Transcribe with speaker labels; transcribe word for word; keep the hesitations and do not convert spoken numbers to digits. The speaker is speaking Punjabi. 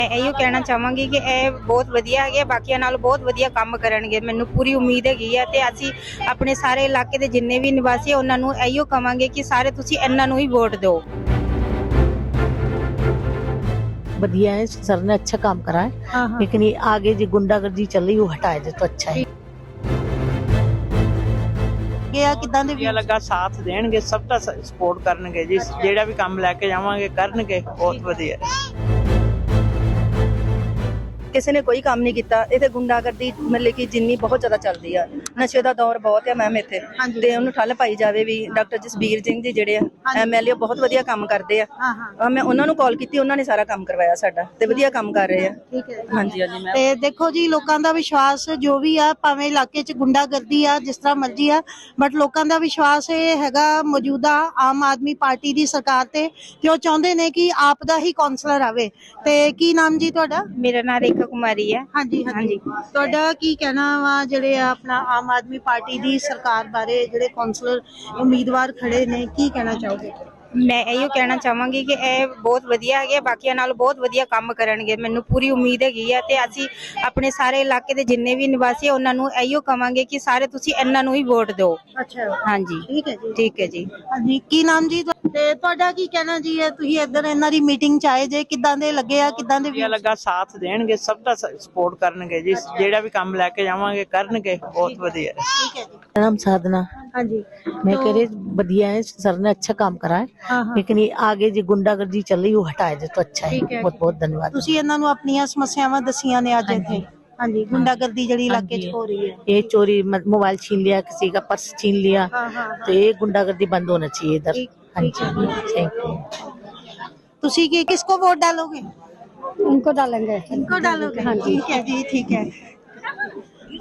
Speaker 1: मैं इहो कहना चाहांगी कि ਇਹ ਬਹੁਤ ਵਧੀਆ ਹੈਗੇ, ਬਾਕੀਆਂ ਨਾਲ ਬਹੁਤ ਵਧੀਆ ਕੰਮ ਕਰਨਗੇ। ਮੈਨੂੰ ਪੂਰੀ ਉਮੀਦ ਹੈਗੀ ਹੈ ਤੇ ਅਸੀਂ ਆਪਣੇ ਸਾਰੇ ਇਲਾਕੇ ਦੇ ਜਿੰਨੇ ਵੀ ਨਿਵਾਸੀ ਉਹਨਾਂ ਨੂੰ ਇਹੀਓ ਕਵਾਂਗੇ ਕਿ ਸਾਰੇ ਤੁਸੀਂ ਇਹਨਾਂ ਨੂੰ ਹੀ ਵੋਟ ਦਿਓ।
Speaker 2: बढ़िया है, सर ने अच्छा काम करा है। हाँ हाँ। लेकिन ये आगे जो गुंडागर्दी चल रही है वो हटाए दे तो अच्छा है।
Speaker 3: ਗਿਆ ਕਿਦਾਂ ਦੇ
Speaker 4: ਵਧੀਆ ਲੱਗਾ, ਸਾਥ ਦੇਣਗੇ, ਸਭ ਦਾ ਸਪੋਰਟ ਕਰਨਗੇ ਜੀ। ਜਿਹੜਾ ਵੀ ਕੰਮ ਲੈ ਕੇ ਜਾਵਾਂਗੇ ਕਰਨਗੇ, ਬਹੁਤ ਵਧੀਆ।
Speaker 3: ਕਿਸੇ ਨੇ ਕੋਈ ਕੰਮ ਨਹੀਂ ਕੀਤਾ ਇੱਥੇ। ਗੁੰਡਾਗਰਦੀ ਮਤਲਬ ਕਿ ਜਿੰਨੀ ਬਹੁਤ ਜ਼ਿਆਦਾ ਚੱਲਦੀ ਆ, ਨਸ਼ੇ ਦਾ ਦੌਰ ਬਹੁਤ ਹੈ ਮੈਮ ਇੱਥੇ, ਤੇ ਉਹਨੂੰ ਠੱਲ ਪਾਈ ਜਾਵੇ ਵੀ। ਡਾਕਟਰ ਜਸਬੀਰ ਸਿੰਘ ਜੀ ਜਿਹੜੇ ਆ ਐਮਐਲਏ ਬਹੁਤ ਵਧੀਆ ਕੰਮ ਕਰਦੇ ਆ। ਮੈਂ ਉਹਨਾਂ ਨੂੰ ਕਾਲ ਕੀਤੀ, ਉਹਨਾਂ ਨੇ ਸਾਰਾ ਕੰਮ ਕਰਵਾਇਆ ਸਾਡਾ, ਤੇ ਵਧੀਆ ਕੰਮ ਕਰ ਰਹੇ ਆ।
Speaker 5: ਠੀਕ ਹੈ,
Speaker 3: ਹਾਂਜੀ ਹਾਂਜੀ ਮੈਮ।
Speaker 5: ਤੇ ਦੇਖੋ ਜੀ, ਲੋਕਾਂ ਦਾ ਵਿਸ਼ਵਾਸ ਜੋ ਵੀ ਆ, ਭਾਵੇਂ ਇਲਾਕੇ 'ਚ ਗੁੰਡਾਗਰਦੀ ਆ ਜਿਸ ਤਰ੍ਹਾਂ ਮਰਜ਼ੀ ਆ, ਬਟ ਲੋਕਾਂ ਦਾ ਵਿਸ਼ਵਾਸ ਇਹ ਹੈਗਾ ਮੌਜੂਦਾ ਆਮ ਆਦਮੀ ਪਾਰਟੀ ਦੀ ਸਰਕਾਰ ਤੇ, ਕਿ ਉਹ ਚਾਹੁੰਦੇ ਨੇ ਕਿ ਆਪ ਦਾ ਹੀ ਕਾਉਂਸਲਰ ਆਵੇ। ਤੇ ਕੀ ਨਾਮ ਜੀ ਤੁਹਾਡਾ?
Speaker 1: ਮੇਰਾ ਨਾਮ ਰੇਖਾ ਕੁਮਾਰੀ ਹੈ।
Speaker 5: ਹਾਂਜੀ ਹਾਂਜੀ। ਤੁਹਾਡਾ ਕੀ ਕਹਿਣਾ ਵਾ ਜਿਹੜੇ ਆ ਆਪਣਾ ਆਮ ਆਦਮੀ ਪਾਰਟੀ ਦੀ ਸਰਕਾਰ ਬਾਰੇ, ਜਿਹੜੇ ਕਾਉਂਸਲਰ ਉਮੀਦਵਾਰ ਖੜੇ ਨੇ, ਕੀ ਕਹਿਣਾ ਚਾਹੋਗੇ?
Speaker 1: ਮੈਂ ਇਹੀਓ ਕਹਿਣਾ ਚਾਹਾਂਗੀ ਕਿ ਇਹ ਬਹੁਤ ਵਧੀਆ ਹੈਗੇ, ਬਾਕੀਆਂ ਨਾਲ ਬਹੁਤ ਵਧੀਆ ਕੰਮ ਕਰਨਗੇ। ਮੈਨੂੰ ਪੂਰੀ ਉਮੀਦ ਹੈਗੀ ਹੈ ਤੇ ਅਸੀਂ ਆਪਣੇ ਸਾਰੇ ਇਲਾਕੇ ਦੇ ਜਿੰਨੇ ਵੀ ਨਿਵਾਸੀ ਉਹਨਾਂ ਨੂੰ ਇਹੀਓ ਕਵਾਂਗੇ ਕਿ ਸਾਰੇ ਤੁਸੀਂ ਇਹਨਾਂ ਨੂੰ ਹੀ ਵੋਟ ਦਿਓ।
Speaker 5: ਅੱਛਾ,
Speaker 1: ਹਾਂਜੀ
Speaker 5: ਠੀਕ ਹੈ ਜੀ।
Speaker 1: ਠੀਕ ਹੈ ਜੀ।
Speaker 5: ਹਾਂਜੀ, ਕੀ ਨਾਮ ਜੀ? ਤੇ ਤੁਹਾਡਾ ਕੀ ਕਹਿਣਾ ਜੀ? ਇਹ ਤੁਸੀਂ ਇੱਧਰ ਇਹਨਾਂ ਦੀ ਮੀਟਿੰਗ 'ਚ ਆਏ ਜੇ, ਕਿੱਦਾਂ ਦੇ ਲੱਗੇ ਆ, ਕਿੱਦਾਂ ਦੇ?
Speaker 4: ਵਧੀਆ ਲੱਗਾ, ਸਾਥ ਦੇਣਗੇ, ਸਭ ਦਾ ਸਪੋਰਟ ਕਰਨਗੇ ਜੀ। ਜਿਹੜਾ ਵੀ ਕੰਮ ਲੈ ਕੇ ਜਾਵਾਂਗੇ ਕਰਨਗੇ, ਬਹੁਤ ਵਧੀਆ।
Speaker 5: ਠੀਕ ਹੈ जी।
Speaker 2: नाम साधना।
Speaker 5: हाँ जी।
Speaker 2: मैं कह रही बढ़िया है, सर ने अच्छा काम करा है।
Speaker 5: हाँ हाँ।
Speaker 2: लेकिन ये आगे जो गुंडागर्दी चल रही है वो हटाए दे तो अच्छा है।
Speaker 5: ठीक है।
Speaker 2: बहुत बहुत धन्यवाद।
Speaker 5: ਤੁਸੀਂ ਇਹਨਾਂ ਨੂੰ ਆਪਣੀਆਂ ਸਮੱਸਿਆਵਾਂ ਦੱਸੀਆਂ ਨੇ ਅੱਜ ਇੱਥੇ? ਹਾਂਜੀ, ਗੁੰਡਾਗਰਦੀ ਜਿਹੜੀ ਇਲਾਕੇ 'ਚ ਹੋ ਰਹੀ ਹੈ।
Speaker 2: ये चोरी मत- मोबाइल छीन लिया, किसी का पर्स छीन लिया,
Speaker 5: हाँ हाँ।
Speaker 2: तो ये गुंडागर्दी बंद होना चाहिए इधर।
Speaker 5: ठीक-
Speaker 2: हाँ
Speaker 5: ठीक
Speaker 2: जी, थैंक यू।
Speaker 5: ਤੁਸੀਂ ਕੀ किसको वोट डालोगे?
Speaker 1: उनको डालेंगे।
Speaker 5: इनको डालोगे? ठीक है जी, ठीक है।